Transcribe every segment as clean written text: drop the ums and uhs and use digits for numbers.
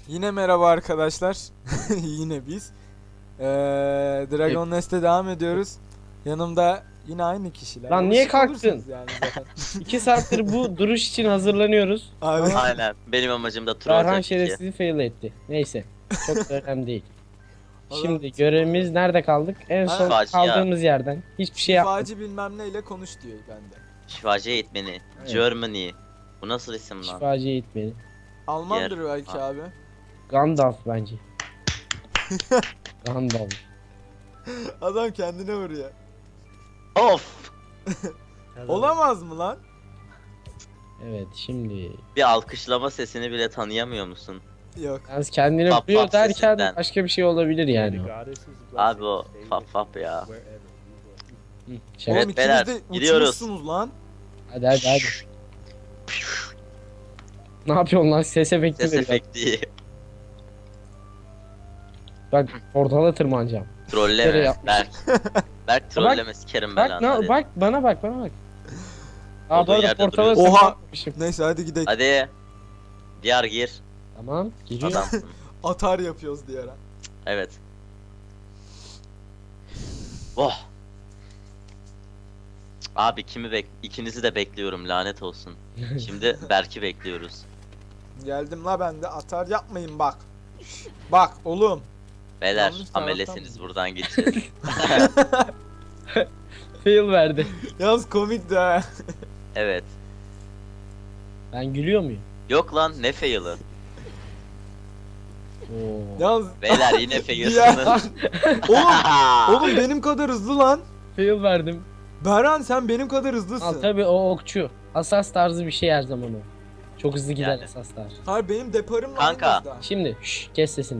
Yine merhaba arkadaşlar. Yine biz. Dragon Nest'e devam ediyoruz. Yanımda yine aynı kişiler. Lan niye Alışık kalktın? olursunuz yani zaten. 2 saattir bu duruş için hazırlanıyoruz. Abi. Aynen. Benim amacım da troll Erhan tabii ki. şerefsizi fail etti. Neyse. Çok da önemli değil. Adam Şimdi görevimiz nerede kaldık? En son Şifacı kaldığımız yerden. Hiçbir şey yapmadık. Şifacı bilmem neyle konuş diyor bende. Şifacı eğitmeni. Evet. Germany. Bu nasıl isim lan? Şifacı eğitmeni. Almandır Yer. belki Ha. abi. Gandalf bence. Gandalf. Adam kendine vuruyor. Of! Olamaz mı lan? Evet şimdi. Bir alkışlama sesini bile tanıyamıyor musun? Yok. Yalnız kendine Fap vuruyor fap derken sesinden. başka bir şey olabilir yani. Abi o fap fap ya. Hı, şaka. Oğlum beyler, ikiniz de gidiyoruz. uçmuşsunuz lan. Hadi hadi hadi. Ne yapıyorsun lan? Ses efekti Ses veriyor. efekti. Bak portala tırmanacağım. Nereye Trolleme. yapmış? Berk. Berk trolleme sikerim Bak belanı. Hadi. bak bana bak. Aa Olduğun bu arada yerde portala duruyorsun. Oha! tırmanmışım. Neyse hadi gidelim. Hadi. Diyar gir. Tamam giriyor. Adamsın. Atar yapıyoruz diye ara. Evet. Oh. Abi ikinizi de bekliyorum lanet olsun. Şimdi Berk'i bekliyoruz. Geldim la ben de atar yapmayın bak. Bak oğlum. Beyler Yanlış taraftan amelesiniz mı? buradan gideceğiz. Fail verdi. Yalnız komik de ha. Evet. Ben gülüyor muyum? Yok lan ne fail'ı. Oo. Yalnız Beyler yine Ya. fail'sınız. oğlum benim kadar hızlı lan. Fail verdim. Berhan sen benim kadar Al hızlısın. tabi o okçu. Asas tarzı bir şey her zaman o. Çok hızlı gider Yani. asaslar. Hayır benim deparımla Kanka. aynı hızda. Şimdi kes sesini.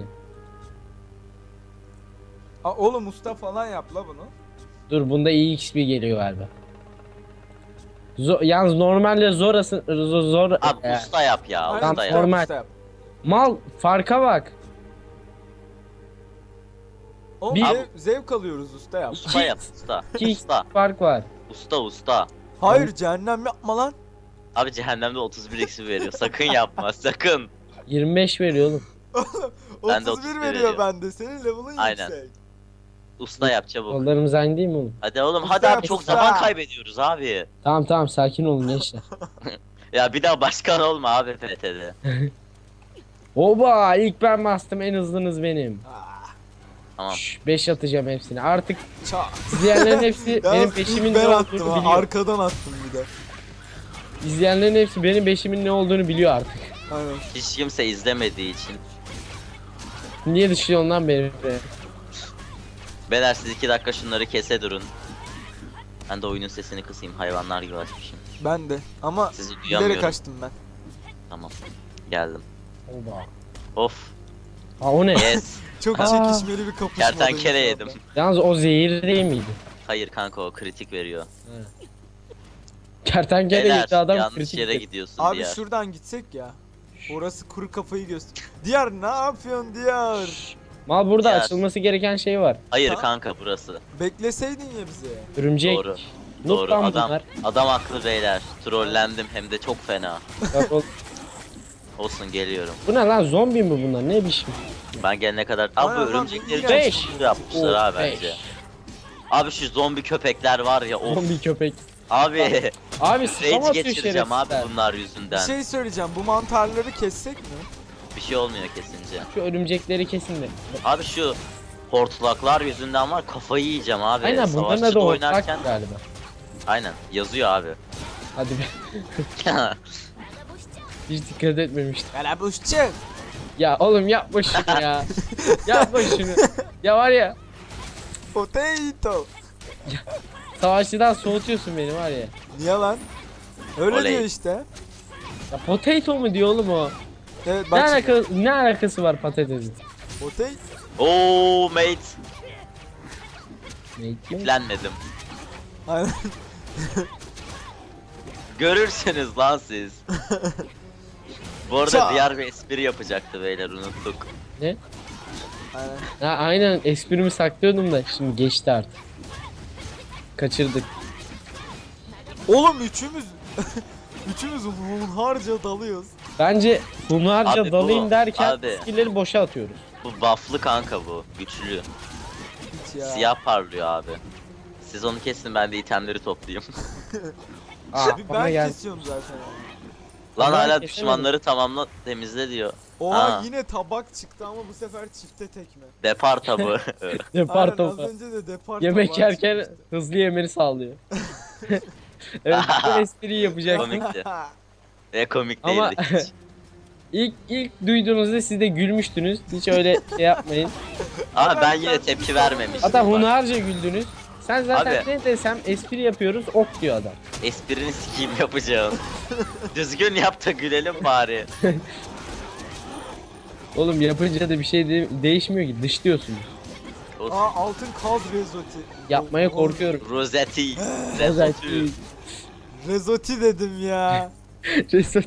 Oğlum usta falan yap la bunu. Dur bunda iyi XP geliyor galiba. Yalnız normalde zor Abi usta yap ya Aynen, usta yap. normal. usta yap. Mal farka bak. Oğlum Bir- zevk alıyoruz usta yap. Usta yap usta. 2 Usta. fark var. Usta. Hayır cehennem yapma lan. Abi cehennemde 31 eksi veriyor. Sakın yapma sakın. 25 veriyor oğlum. Ben de 31 31 veriyor veriyor. bende. Senin level'ın Aynen. yüksek. Usta yap çabuk. Kollarımız aynı değil mi oğlum? Hadi oğlum Usta hadi yap, abi çok usta. zaman kaybediyoruz abi. Tamam sakin olun gençler. Ya bir daha başkan olma abi FT'de. Oba ilk ben bastım en hızlınız benim. Ah, Tamam. 5 atacağım hepsini. Artık ça. izleyenlerin hepsi benim Yalnız peşimin ilk ne ben olduğunu attım ha. biliyor. Arkadan attım bir de. İzleyenlerin hepsi benim peşimin ne olduğunu biliyor artık. Aynen. Hiç kimse izlemediği için. Niye dışlıyorsun lan beni? Beyler siz 2 dakika şunları kese durun. Ben de oyunun sesini kısayım hayvanlar gibi açmışım. Ben de. Ama Sizi bilerek duyamıyorum. kaçtım ben. Tamam. Geldim. Oba. Of. Ha o ne? Yes. Çok Aa. çekişmeli bir kapışma. Kertenkele yedim. Yalnız o zehir değil miydi? Hayır kanka o kritik veriyor. Kertenkele Beyler yedi adam yanlış kritik yere dedi. gidiyorsun Abi diğer. şuradan gitsek ya. Orası kuru kafayı göster. Diyar ne yapıyorsun Diyar? Mal burada Diğer. açılması gereken şey var. Hayır Ha? kanka burası. Bekleseydin ya bizi. Örümcek. Doğru. Noob Doğru lan adam. bunlar. Adam haklı beyler. Trollendim hem de çok fena. Bak Olsun geliyorum. bu ne lan zombi mi bunlar ne biçim? Ben gelene kadar. Abi bu Aynen lan, örümcekleri çok beş. sinir yapmışlar Oh, ha beş. bence. Abi şu zombi köpekler var ya of. Zombi köpek. Abi Abi spam rage atıyor geçireceğim abi şerefsizler. bunlar Bir yüzünden. şey söyleyeceğim. Bu mantarları kessek mi? Bir şey olmuyor kesince. Şu örümcekleri kesin de. Abi şu hortlaklar yüzünden var kafayı yiyeceğim abi. Aynen bunların Savaşçıda adı oynarken hortlak galiba. aynen yazıyor abi. Hadi be. Hiç dikkat etmemiştim. Galabuşçu. Ya oğlum yapma şunu ya. Yapma şunu. Ya var ya Potato. savaşçıdan soğutuyorsun beni var ya. Niye lan? Öyle Oley. diyor işte. Ya potato mu diyor oğlum o? Evet Ne, bak şimdi. ne alakası var patatesin? Potato. Oo mate. Ne? Yüklenmedim. Aynen. Görürsünüz lan siz. Bu arada Ça. diğer bir espri yapacaktı beyler unuttuk. Ne? Aynen. Ha, aynen esprimi saklıyordum da şimdi geçti artık. Kaçırdık. Oğlum üçümüz hunharca dalıyoruz. Bence bunlarca Abi bu- dalayım derken abi. skill'leri boşa atıyoruz. Bu buff'lı kanka bu. Güçlü. Hiç ya. Siyah parlıyor abi. Siz onu kesin, ben de itemleri toplayayım. Abi Bana ben gel. kesiyorum zaten. Lan Ben hala kesemedim. düşmanları tamamla, temizle diyor. Oha Ha. yine tabak çıktı ama bu sefer çifte tekme. Depar tabu. Depar Aynen, az topu. önce de depar Yemek tabağı yerken çıkmıştı. hızlı yemeni sağlıyor. Evet, bu espriyi yapacaktım. Komikti. Ve komik Ama- değildi hiç. İlk duyduğunuzda siz de gülmüştünüz. Hiç öyle şey yapmayın. Ama ben yine tepki vermemiştim. Hatta bak. hunharca güldünüz. Sen zaten Abi. ne desem espri yapıyoruz ok diyor adam. Esprini sikeyim yapacağım. Düzgün yap da gülelim bari. Oğlum yapınca da bir şey değişmiyor ki, dışlıyorsunuz. Aa altın kaz rezoti. Yapmaya korkuyorum. Roseti. Özellikle Rezotü. Rezoti dedim ya. Reset.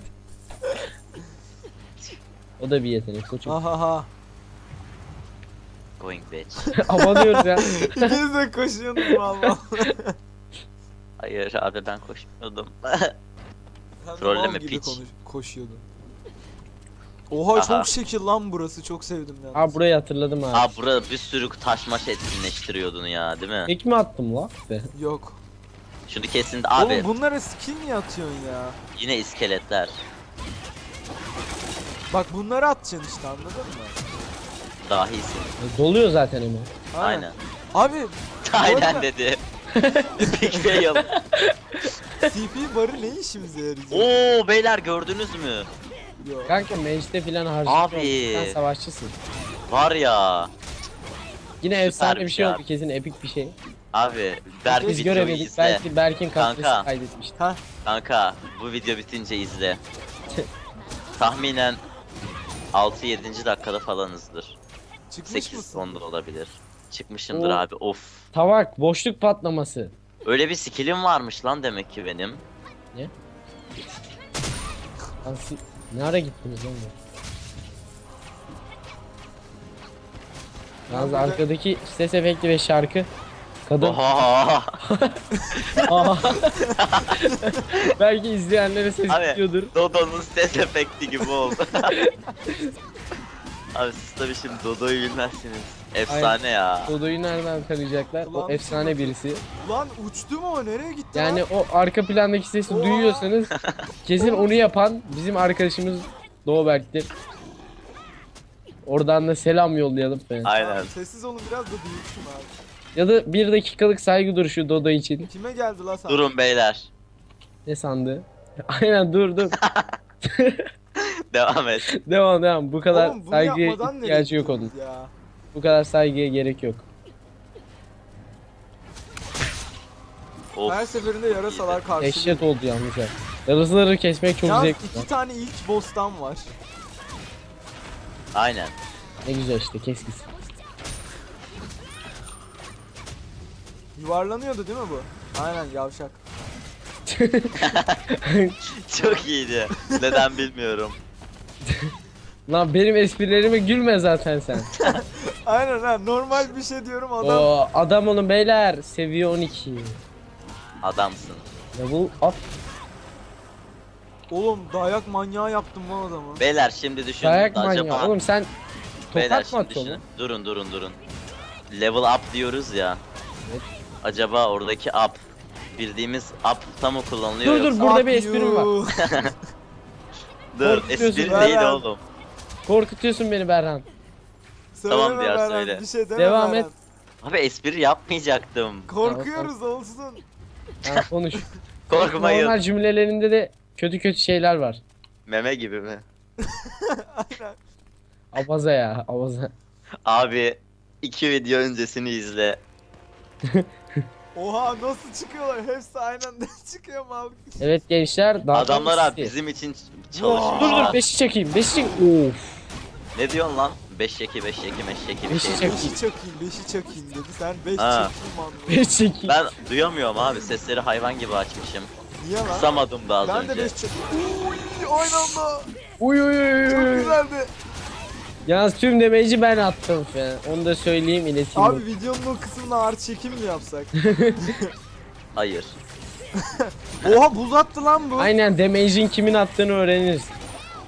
O da bir yetenek koçum. Ahaha. Going bitch. Abanıyoruz ya. İkiniz de koşuyorsunuz valla. Hayır abi, ben koşmuyordum. Sen de Trolleme mal gibi piç. Koşuyordun. Oha Aha. çok şekil lan burası, çok sevdim ya. Aa burayı hatırladım abi. Aa, burada bir sürü taş maş etkinleştiriyordun ya, değil mi? Tek mi attım la? Be. Yok. Şunu kesin abi. Oğlum bunlara skill mi atıyorsun ya? Yine iskeletler. Bak bunları atacaksın işte, anladın mı? Dahisin. Doluyor zaten hemen. Aynen. Abi Aynen arada- dedi. Big fail. TP barı ne işimize yarayacak? Oo beyler, gördünüz mü? Yok. Kanka mage'de filan harcıyorsun. Abi. Sen savaşçısın. Var ya. Yine Süper efsane bir bir şey şey oldu, abi. kesin epik bir şey. Abi Berk Biz videoyu göremedik. izle. Belki Berk'in Kanka. katkısı kaydetmişti. Kanka bu video bitince izle. Tahminen 6-7. dakikada falanızdır. Çıkmış mısın? 8-10'da olabilir. Çıkmışımdır Oo. abi, of. Tavak, boşluk patlaması. Öyle bir skillim varmış lan demek ki benim. Asıl ne ara gittiniz lan bu? Yalnız Ben burada- arkadaki ses efekti ve şarkı kadın. Oha. Aha. Belki izleyenlere ses Abi. gidiyordur. Dodo'nun ses efekti gibi oldu. Abi siz tabii şimdi Dodo'yu bilmezsiniz. Efsane ya. Dodo'yu nereden tanıyacaklar? O Ulan, efsane birisi. Lan uçtu mu o? Nereye gitti Yani lan? o arka plandaki sesi Oha. duyuyorsanız kesin onu yapan bizim arkadaşımız Doğuberk'tir. Oradan da selam yollayalım falan. Aynen. Abi, sessiz olun biraz da büyüksün abi. Ya da 1 dakikalık saygı duruşu Dodo için. Kime geldi lan sen? Durun beyler. Ne sandı? Aynen dur. Devam et. Devam. Bu kadar Oğlum bunu saygıya yapmadan nereye ihtiyacı yok onun. gittiniz ya? Bu kadar saygıya gerek yok. Of. Her seferinde yarasalar karşılıyor. Dehşet oldu yalnız ya. Yarasaları kesmek çok Yalnız zevkli. iki tane ilk boss'tan var. Aynen. Ne güzel işte, kes gitsin. Yuvarlanıyordu değil mi bu? Aynen yavşak. Çok iyiydi. Neden bilmiyorum. Lan benim esprilerime gülme zaten sen. Aynen ha, normal bir şey diyorum adam. Oo, adam olun beyler. Seviye 12. Adamsın. Level up. Oğlum dayak manyağı yaptım lan adamı. Beyler şimdi düşünün. Dayak acaba... manyağı. Oğlum sen Beyler tokat mı şimdi atıyorsun? düşünün. Durun. Level up diyoruz ya. Evet. Acaba oradaki up bildiğimiz up'ta mı kullanılıyor Dur, yoksa? burada bir Fuck esprim you. var. Dur, Korkutuyorsun. espri Ver değil lan. oğlum. Korkutuyorsun beni Berhan. Söyleme Tamam diğer Beren, söyle. Bir şey deme Devam Beren. et. Abi espri yapmayacaktım. Korkuyoruz olsun. Ha, konuş. Korkmayın. Normal cümlelerinde de kötü şeyler var. Meme gibi mi? Aynen. Abaza ya, abaza. Abi 2 video öncesini izle. Oha nasıl çıkıyorlar? Hepsi aynı anda çıkıyor mal. Evet gençler. daha Adamlar da abi bizim için çalışıyor. Dur 5'i çekeyim. 5'i çek. Of. Ne diyorsun lan? 5 yeki bir şey. Beşi çek. Beşi çakayım, beşi çakayım dedi. Sen beş Ha. çekeyim anladın. 5 çekeyim. Ben duyamıyorum abi, sesleri hayvan gibi açmışım. Niye lan? Kısamadım da az Ben de önce. beş çakayım. Uy, aynı anda. Uy. Çok güzeldi. Yalnız tüm damage'i ben attım falan. Onu da söyleyeyim, ileteyim. Abi videonun o kısmına ağır çekim mi yapsak? Hayır. Oha buz attı lan bu. Aynen, damage'in kimin attığını öğreniriz.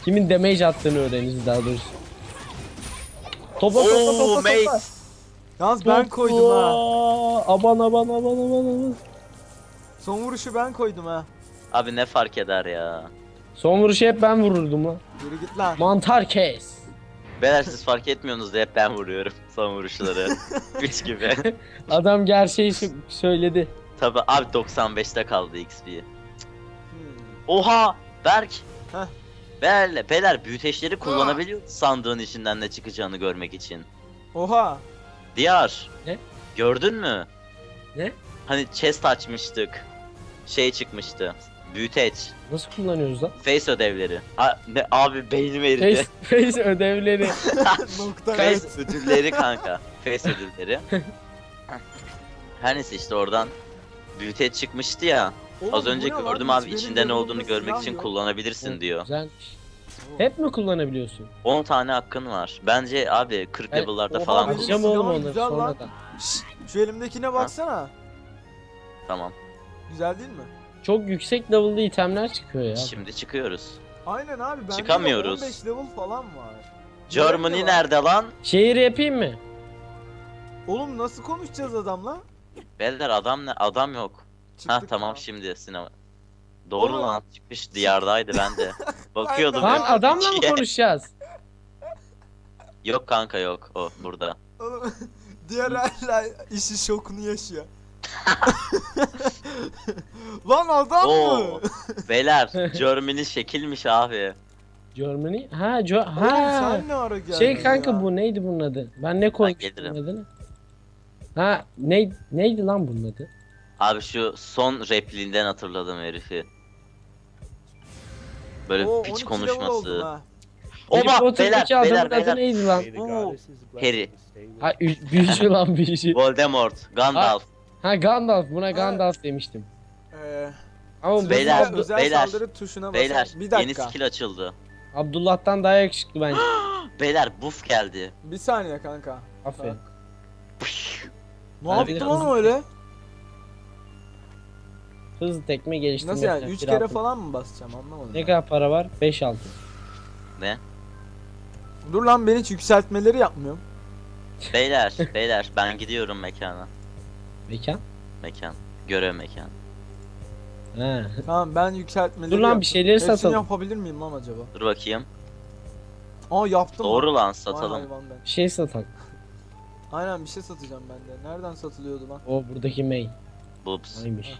Kimin damage attığını öğreniriz daha doğrusu. Topa Oo mate. Yalnız ben koydum ha. Aman aman aman aman aman. Son vuruşu ben koydum ha. Abi ne fark eder ya. Son vuruşu hep ben vururdum lan. Yürü git lan. Mantar kes. Beyler siz fark etmiyorsunuz da hep ben vuruyorum son vuruşları. 3 gibi. Adam gerçeği söyledi. Tabi abi 95'te kaldı XP. Hmm. Oha Berk. Heh. Beyler büyüteçleri kullanabiliyor sandığın içinden ne çıkacağını görmek için. Oha. Diyar. Ne? Gördün mü? Ne? Hani chest açmıştık. Şey çıkmıştı. Büyüteç. Nasıl kullanıyoruz lan? Face ödevleri. Ne abi beynim eridi. Face ödevleri. Nokta. Face ödülleri kanka. Face ödülleri. Her neyse işte oradan büyüteç çıkmıştı ya. Oğlum, Az bu önce ne lan? gördüm Hiç abi benim içinde ne level'ımda olduğunu görmek silah için yok. kullanabilirsin diyor. Güzelmiş. Hep mi kullanabiliyorsun? 10 tane hakkın var. Bence abi 40 Evet. level'larda Oha, falan benim bulursun. Atacağım oğlum silahım onları güzel lan. sonradan. Şşş, şu elimdekine baksana. Tamam. Güzel değil mi? Çok yüksek level'lı itemler çıkıyor ya. Şimdi çıkıyoruz. Aynen abi. Bende de Çıkamıyoruz. 15 level falan var. Germany Nerede var? nerede lan? Şehir yapayım mı? Oğlum nasıl konuşacağız adamla? Beyler adam ne? Adam yok. Ha Çıktık tamam ya. şimdi sinema. Doğru Oğlum. lan çıkmış diyardaydı ben de. Bakıyordum. Ben de- Lan ya. adamla mı İkiye. konuşacağız? Yok kanka yok o burada. Oğlum, diğer hala işi şokunu yaşıyor. Lan adam Oo. mı? Beyler Germany şekilmiş abi. Germany? Ha, Oğlum ha. sen ne ara geldin Şey kanka ya? bu neydi bunun adı? Ben ne koymuştum gelirim. adını? Ha neydi lan bunun adı? Abi şu son repliğinden hatırladım herifi. Böyle Oo, piç 12 level oldum konuşması. ha. Harry Oba beyler Potter'daki adamın beyler adı beyler. neydi lan? Oo, Harry. Ha büyücü lan büyücü. Voldemort, Gandalf. Ha Gandalf, buna Gandalf demiştim. Ama bu Beyler, Sırasıyla özel beyler, saldırı tuşuna basar. Beyler Bir yeni dakika. skill açıldı. Abdullah'tan daha yakışıklı bence. Beyler buff geldi. Bir saniye kanka. Aferin. Ne Bana bir yaptın de lan hızlı- öyle? Hızlı tekme geliştirme. Nasıl yani? 3 yapacak, kere bir falan mı basacağım anlamadım. Ne ben. kadar para var? 5 altın. Ne? Dur lan ben hiç yükseltmeleri yapmıyorum. Beyler ben gidiyorum mekana. Mekan? Mekan. Görev mekan. Ha. Tamam ben yükseltmeleri Dur lan yaptım. bir şeyleri Hepsini satalım. yapabilir miyim lan acaba? Dur bakayım. Aa yaptım. Doğru lan Vay satalım. hayvan ben. Bir şey satalım. Aynen bir şey satacağım ben de. Nereden satılıyordu lan? O buradaki mail. Boops. Neymiş?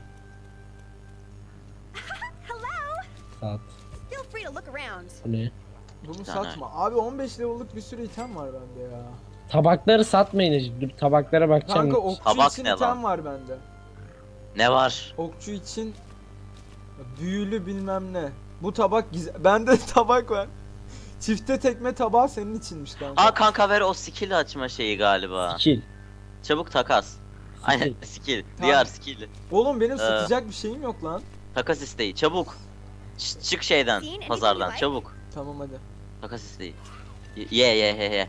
Saat. Feel free to look around. Bu ne? Bunu tane. satma. Abi 15 level'lık bir sürü item var bende ya. Tabakları satmayın Necip. Dur tabaklara bakacağım. Kanka okçu Tabak için ne item lan? var bende. Ne var? Okçu için büyülü bilmem ne. Bu tabak bende tabak var. Çifte tekme tabağı senin içinmiş kanka. Aa kanka ver o skill açma şeyi galiba. Skill. Çabuk takas. Aynen skill. Diğer skill. Oğlum benim satacak bir şeyim yok lan. Takas isteği çabuk. Çık şeyden pazardan çabuk. Tamam hadi. Takas isteği. Ye.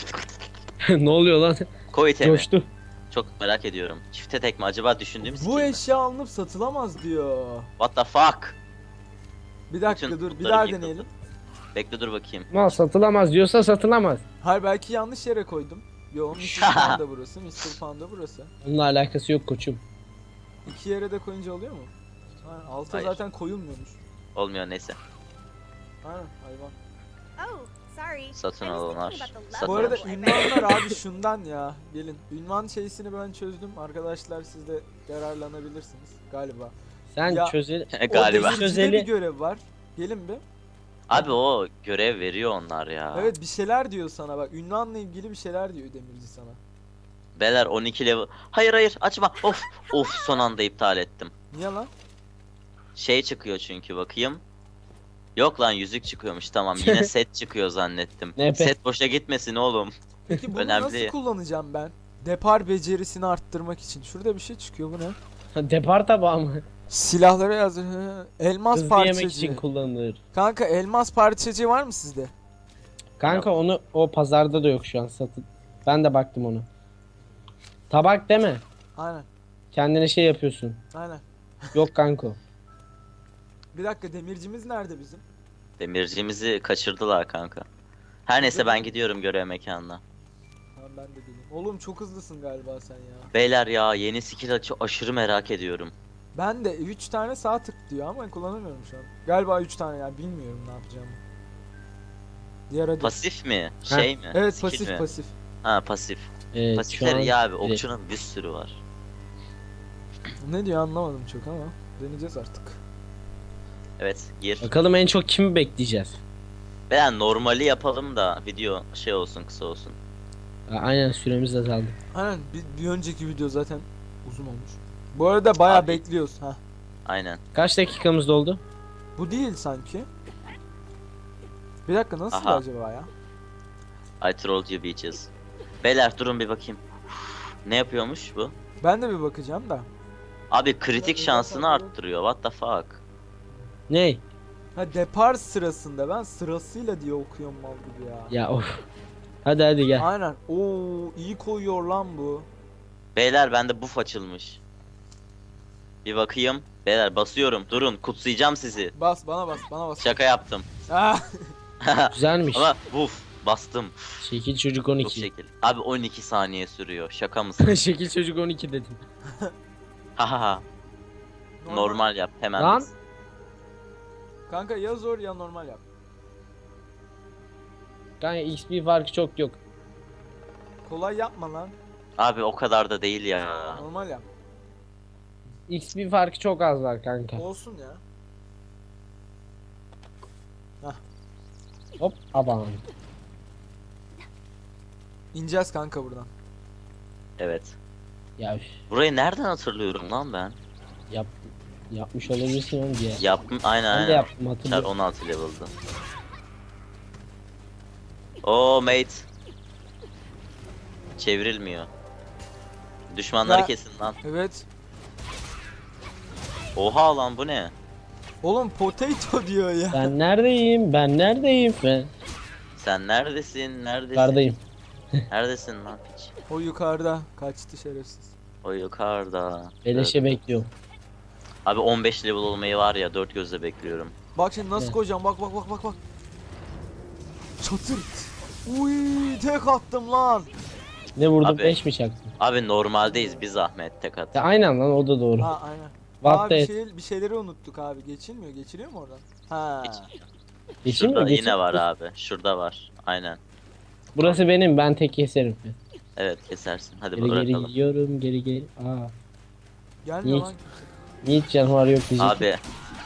Ne oluyor lan? Koy itemi. Coştu. Çok merak ediyorum. Çifte tekme acaba düşündüğüm skill Bu mi? eşya alınıp satılamaz diyor. What the fuck? Bir dakika Bütün dur bir putlarım daha yıkıldı. deneyelim. Bekle dur bakayım. Mal satılamaz diyorsa satılamaz. Hayır belki yanlış yere koydum. Yo Mr. Panda burası, Mr. Panda burası. Onunla alakası yok koçum. İki yere de koyunca oluyor mu? Ha, alta Hayır. zaten koyulmuyormuş. Olmuyor neyse. Aynen hayvan. Oh, sorry. Satın I was alanlar. thinking about the Satın Bu arada level I ünvanlar abi şundan ya. Gelin. Ünvan şeysini ben çözdüm. Arkadaşlar siz de yararlanabilirsiniz galiba. Sen Ya- çözel... Galiba. O demircide Çözeli- bir görev var. Gelin bir. Abi o görev veriyor onlar ya. Evet bir şeyler diyor sana bak. Ünvanla ilgili bir şeyler diyor demirci sana. Beyler 12 level. Hayır açma. Of son anda iptal ettim. Niye lan? Şey çıkıyor çünkü bakayım. Yok lan yüzük çıkıyormuş tamam yine set çıkıyor zannettim. Ne be? Set boşa gitmesin oğlum. Peki bunu Önemli nasıl değil. kullanacağım ben? Depar becerisini arttırmak için. Şurada bir şey çıkıyor bu ne? Depar tabağı mı? Silahlara yazıyor. Elmas Hızlı yemek parçacı. için kullanılır. Kanka elmas parçacı var mı sizde? Kanka onu o pazarda da yok şu an satın. Ben de baktım onu. Tabak deme. Aynen. Kendine şey yapıyorsun. Aynen. Yok kanka. Bir dakika demircimiz nerede bizim? Demircimizi kaçırdılar kanka. Her neyse ben gidiyorum görev mekanına. Tamam ben de geleyim. Oğlum çok hızlısın galiba sen ya. Beyler ya yeni skill aşırı merak ediyorum. Ben de 3 tane sağ tık diyor ama kullanamıyorum şu an. Galiba 3 tane ya, bilmiyorum ne yapacağımı. Diğer adı. Pasif mi? Şey mi? Evet, Skill pasif mi? pasif. Ha pasif. Evet, şu Pasifler an iyi abi. direkt. Okçunun bir sürü var. Ne diyor anlamadım çok ama deneyeceğiz artık. Evet gir. Bakalım en çok kimi bekleyeceğiz. Ben normali yapalım da video şey olsun kısa olsun. Aynen, süremiz azaldı. Aynen, bir önceki video zaten uzun olmuş. Bu arada bayağı Abi. bekliyoruz ha. Aynen. Kaç dakikamız doldu? Bu değil sanki. Bir dakika, nasıl Aha. acaba ya? I trolled you bitches. Beyler durun bir bakayım. Ne yapıyormuş bu? Ben de bir bakacağım da. Abi kritik şansını arttırıyor. What the fuck? Ney? Ha, depar sırasında, ben sırasıyla diye okuyorum mal gibi ya. Ya of. Hadi gel. Aynen. Oo, iyi koyuyor lan bu. Beyler bende buff açılmış. Bir bakayım. Beyler basıyorum. Durun kutsayacağım sizi. Bas bana, bana bas. Şaka yaptım. Ah, Güzelmiş. Ama buff bastım. Şekil çocuk Bu 12. şekil. Abi 12 saniye sürüyor. Şaka mısın? Şekil çocuk 12 dedim. Hahaha. Normal yap hemen. Lan. biz. Kanka ya zor ya normal yap. Kanka XP farkı çok yok. Kolay yapma lan. Abi o kadar da değil ya. Normal yap. XP farkı çok az var kanka. Olsun ya. Hop aman. İneceğiz kanka buradan. Evet. Ya üf, Burayı nereden hatırlıyorum lan ben? yapmış olabilirsin oğlum diye. Yaptım aynen Ben de aynen. yaptım, Çar hatırlıyorum. 16 level'dı. Oo mate. Çevrilmiyor. Düşmanları Ya- kesin lan. Evet. Oha lan bu ne? Oğlum potato diyor ya. Ben neredeyim? Ben neredeyim? Ben Sen neredesin? Neredesin? yukarıdayım. Neredesin lan piç? O yukarıda kaçtı şerefsiz. O yukarıda. Beleşe Evet. bekliyorum. Abi 15 level olmayı var ya 4 gözle bekliyorum. Bak şimdi nasıl Evet. koyacağım, bak. Çatırt. Uy, tek attım lan. Ne vurdum? Abi. 5 mi çaktım? Abi normaldeyiz biz Ahmet tek at. Ya aynen lan, o da doğru. Ha aynen. What Abi the bir şeyleri unuttuk abi. Geçiliyor mu oradan? Ha. Geçeyim mi? Şurada Geçeyim yine mi? var abi. Şurada var. Aynen. Burası benim, ben tek keserim. Evet kesersin. Hadi Geri bırakalım. gidiyorum, geri. Aa. Gelmiyor Hiç. lan. Hiç canavar yok diyecek. Abi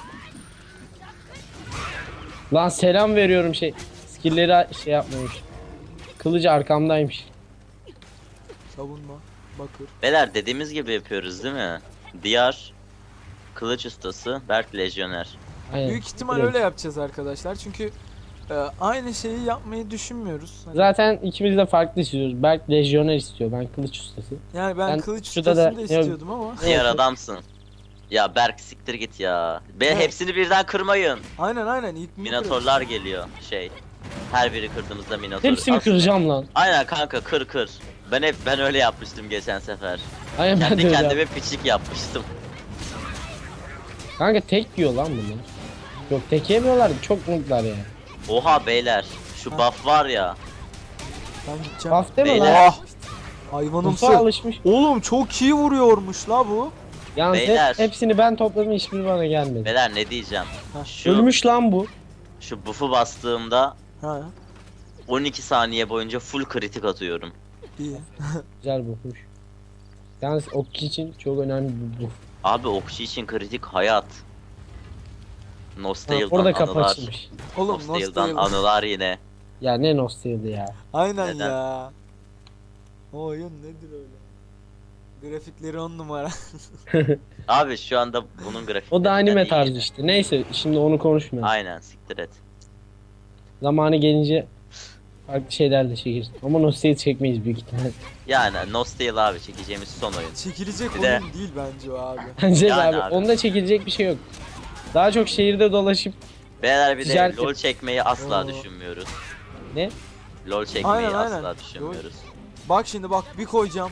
Lan selam veriyorum skill'leri şey yapmamış. Kılıcı arkamdaymış. Savunma. Bakır. beyler dediğimiz gibi yapıyoruz değil mi? Diyar kılıç ustası Berk lejyoner. Aynen. Büyük ihtimal Direkt. öyle yapacağız arkadaşlar. Çünkü aynı şeyi yapmayı düşünmüyoruz. Hani- Zaten ikimiz de farklı istiyoruz. Berk lejyoner istiyor, ben kılıç ustası. yani ben ben kılıç şurada ustasını da- da istiyordum ama. Diyar Evet. adamsın. Ya Berk siktir git ya. Evet. Hepsini birden kırmayın. Aynen ilk bunu Minotorlar geliyor şey. Her biri kırdığımızda minotor. Hepsini Aslında- kıracağım lan. Aynen kanka kır. Ben öyle yapmıştım geçen sefer. Aynen, ben de Kendi öyle kendime yaptım. piçlik yapmıştım. Kanka tek yiyor lan bunlar. Yok, tek yemiyorlar, çok nooblar ya. Oha beyler şu Ha. buff var ya. Ben gideceğim. Buff deme Beyler. lan. Ah! Hayvanımsı. Buff'a alışmış. Oğlum çok iyi vuruyormuş la bu. Yalnız Beyler. hepsini ben topladım, hiçbiri bana gelmedi. Beyler ne diyeceğim? Ha. Şu Ölmüş lan bu. şu buff'u bastığımda Ha, 12 saniye boyunca full kritik atıyorum. iyi. Güzel buffmuş. Yalnız okçu için çok önemli bir buff. Abi okçu için kritik hayat. Ha, Nostale'dan orada kapı anılar. açılmış. Oğlum Nostale'dan nostalji. anılar yine. Ya ne nostalji ya. Aynen Neden? ya. O oyun nedir öyle? Grafikleri 10 numara. Abi şu anda bunun grafiği. O da anime tarzı işte. Neyse, şimdi onu konuşmayalım. Aynen siktir et. Zamanı gelince farklı şeyler de çekeriz. Ama nostalji çekmeyiz büyük ihtimal. Yani Nostale abi çekeceğimiz son oyun. Çekilecek Bir de- oyun değil bence o abi. Bence de Yani abi. abi. Onda çekilecek bir şey yok. Daha çok şehirde dolaşıp Beyler bir de Ticaret- LoL çekmeyi asla Oo. düşünmüyoruz. ne? LoL çekmeyi Aynen. asla düşünmüyoruz. Bak şimdi bak bir koyacağım.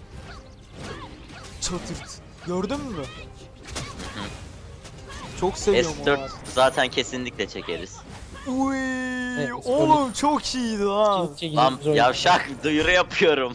Çatırt. Gördün mü? Çok seviyorum onu S4 abi. zaten kesinlikle çekeriz. Uy, Evet, oğlum çok iyiydi lan. Çin çekicimiz Lan oyun. yavşak duyuru yapıyorum.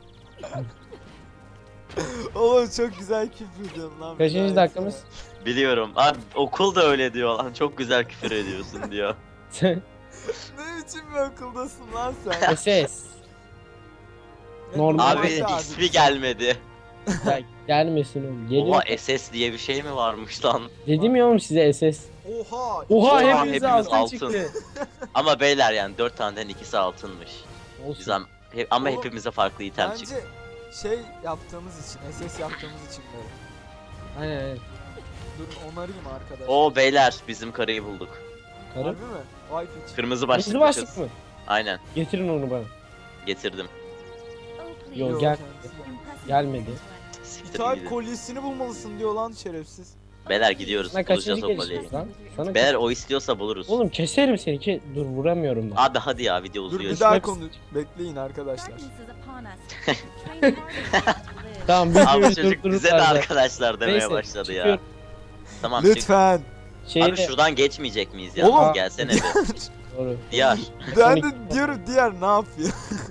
Oğlum çok güzel küfür ediyorsun lan. Kaçıncı Bir dakikamız? daha Biliyorum. Abi okul da öyle diyor lan. Çok güzel küfür ediyorsun diyor. etsene. Ne biçim bir okuldasın lan sen? SS. Normal. Abi Hadi ismi gelmedi. Ya, gelmesin oğlum. Geliyor. Oha SS diye bir şey mi varmış lan? Dedim ya oğlum size SS. Oha. Oha Oha, hepimize hepimiz altın altın. çıktı. Ama beyler yani 4 taneden ikisi altınmış. Olsun. Güzel. Ama Oğlum, hepimize farklı item Bence çıktı. şey yaptığımız için, SS yaptığımız için böyle. Aynen aynen. Durun onarayım arkadaşlar. Oo beyler bizim karıyı bulduk. Karı. Harbi mi? Vay piç. Kırmızı başlıklı Kırmızı başlık kız. mı? Aynen Getirin onu bana. getirdim. Oh, please. Yo, Yo, gel. kendisi geldi. Impressive Gelmedi. one. Siktir İthal gidin. kolyesini bulmalısın diyor lan şerefsiz. Beyler gidiyoruz. Sana Bulacağız kaçıncı o kolyeyi. gelişimiz lan? Sana Beyler o istiyorsa buluruz. Oğlum keserim seni ki. Dur vuramıyorum da. Abi hadi ya video Dur uzuyor. bir işte. daha Hepsi- konu bekleyin arkadaşlar. Darkness is upon us. Train harder to live. Tamam Abi videoyu çocuk durdururuz bize de arada. arkadaşlar demeye Neyse, başladı ya. çıkıyorum. Tamam çık. Lütfen. Abi Şeyde şuradan geçmeyecek miyiz ya? Oğlum. Gelsene bir. doğru. Diyar. Ben de diyorum diğer ne yapıyor?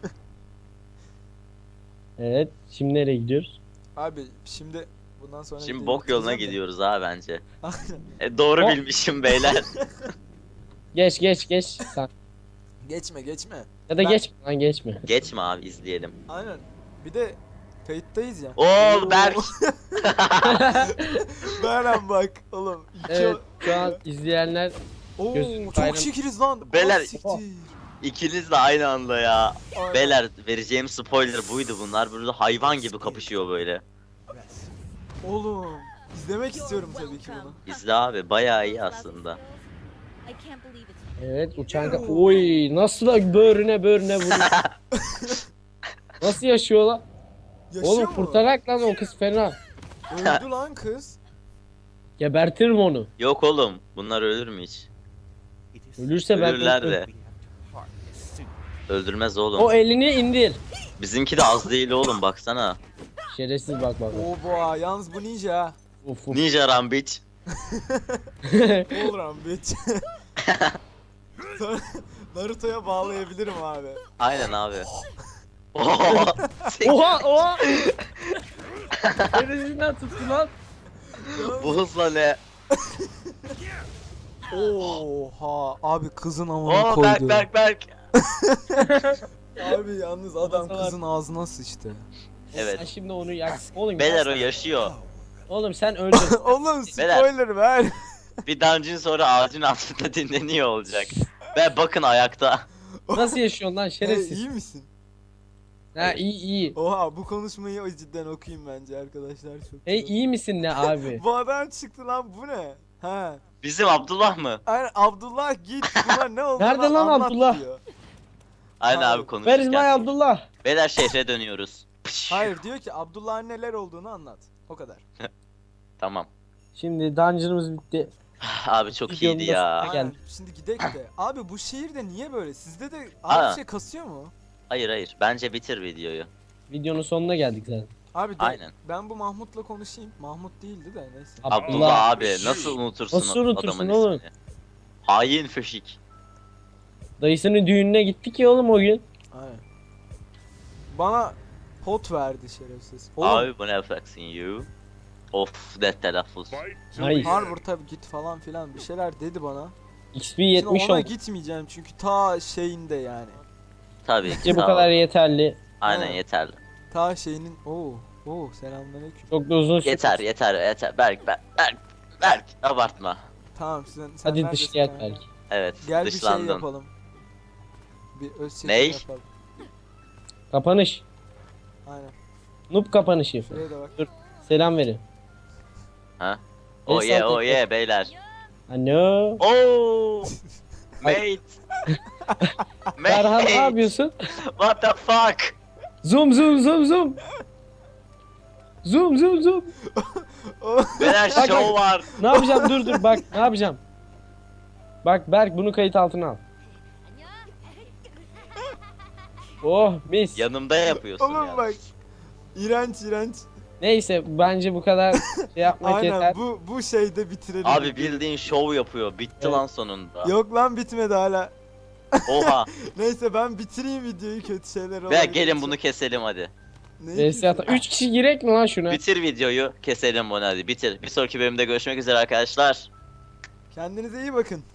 Evet. Şimdi nereye gidiyoruz? Abi şimdi bundan sonra Şimdi videoyu bok yoluna bitireceğim de. gidiyoruz ha bence. Aynen. Doğru O- bilmişim beyler. Geç sen. Geçme geçme. Ya da Ben- geçme lan geçme. Geçme abi izleyelim. Aynen. Bir de kayıttayız ya. Oo Berk. Beren bak oğlum. Evet şu an izleyenler Oo gözüm çok bayram- şekeriz lan. Beyler- Ah, siktir. İkiniz de aynı anda ya. Aynen. Beyler vereceğim spoiler buydu bunlar. Burada hayvan gibi kapışıyor böyle. Oğlum izlemek istiyorum tabii ki bunu. İzle abi bayağı iyi aslında. I can't believe it's evet uçan oy nasıl da böğrüne vuruyor. Nasıl yaşıyor lan? Yaşıyor Oğlum mu? kurtarak lan o kız fena. Öldü lan kız. Gebertirim onu. Yok oğlum bunlar ölür mü hiç? Ölürse ben Ölürler de. Öldürmez oğlum. O elini indir. Bizimki de az değil oğlum baksana. Şerefsiz bak bak. Oo boğa yalnız bu ninja. ha. Uf uf. Ninja Rambiç. Olur lan bitch. Sonra Naruto'ya bağlayabilirim abi. Aynen abi. Oha oha. Neresinden tuttu lan? Bu hızla ne? Oha abi kızın amına Oo koydu. Berk. Abi yalnız adam Masalar- kızın ağzına sıçtı. Evet. Sen şimdi onu yak. Oğlum Beyler o ya. yaşıyor. Oğlum sen öldün. Oğlum Beyler. spoiler ver. Bir dungeon sonra ağacın altında dinleniyor olacak. Ve bakın ayakta. Nasıl yaşıyorsun lan Hey, şerefsiz? iyi misin? Ha iyi. Oha bu konuşmayı cidden okuyayım bence arkadaşlar çok. Hey güzel. iyi misin ne abi? Bu adam çıktı lan bu ne? Ha. Bizim Abdullah mı? Aynen Abdullah git bunlar ne oldu? Nerede lan anlat Abdullah? diyor. Aynen Abi, abi konuşurken. Where is my Abdullah? Beyler şehre dönüyoruz. Hayır diyor ki Abdullah'ın neler olduğunu anlat. O kadar. Tamam. Şimdi dungeon'ımız bitti. Abi çok Videonun iyiydi da ya. sonuna Aynen. geldik. Şimdi gidek de. Abi bu şehirde niye böyle? Sizde de Aa. abi bir şey kasıyor mu? Hayır. Bence bitir videoyu. Videonun sonuna geldik zaten. Abi de, Aynen. ben bu Mahmut'la konuşayım. Mahmut değildi de neyse. Abdullah abi nasıl unutursun, Nasıl unutursun adamın oğlum? ismini? Hain fışık. Dayısının düğününe gittik ya oğlum o gün. Aynen. Bana pot verdi şerefsiz. Oğlum Abi bu ne yapacaksın you? Of ne telaffuz. Nice. Harvard tabi git falan filan bir şeyler dedi bana. XP Şimdi 70 ona oldu. gitmeyeceğim çünkü ta şeyinde yani. Tabii ki Bence bu sağ ol. kadar yeterli. Aynen Ha. yeterli. Ta şeyinin Oo selamünaleyküm. Çok da uzun sürdü. Yeter. Berk abartma. Tamam sen Hadi neredesin dışlayak kanka? belki. Evet Gel bir şey dışlandın. yapalım. Bir öz çekim Ney? yapalım. Kapanış. Aynen. Noob kapanışı. Şuraya da bak. Selam verin. Ha? El Oh yeah sallayın. beyler. Ano. Oh mate. Berhan ne Mate. yapıyorsun? What the fuck? Zoom. Zoom. Beyler Bak, show var. Ne yapacağım? Dur bak ne yapacağım? Bak Berk bunu kayıt altına al. Oh mis. Yanımda yapıyorsun Oğlum ya. bak. İğrenç. Neyse bence bu kadar şey yapmak Aynen yeter. bu şeyde bitirelim. Abi bildiğin şov yapıyor. Bitti Evet. lan sonunda. Yok lan bitmedi hala. Oha. Neyse ben bitireyim videoyu kötü şeyler Ve olarak. gelin bunu keselim hadi. VS ata 3 kişi girek mi lan şuna? Bitir videoyu, keselim bunu hadi. Bitir. Bir sonraki bölümde görüşmek üzere arkadaşlar. Kendinize iyi bakın.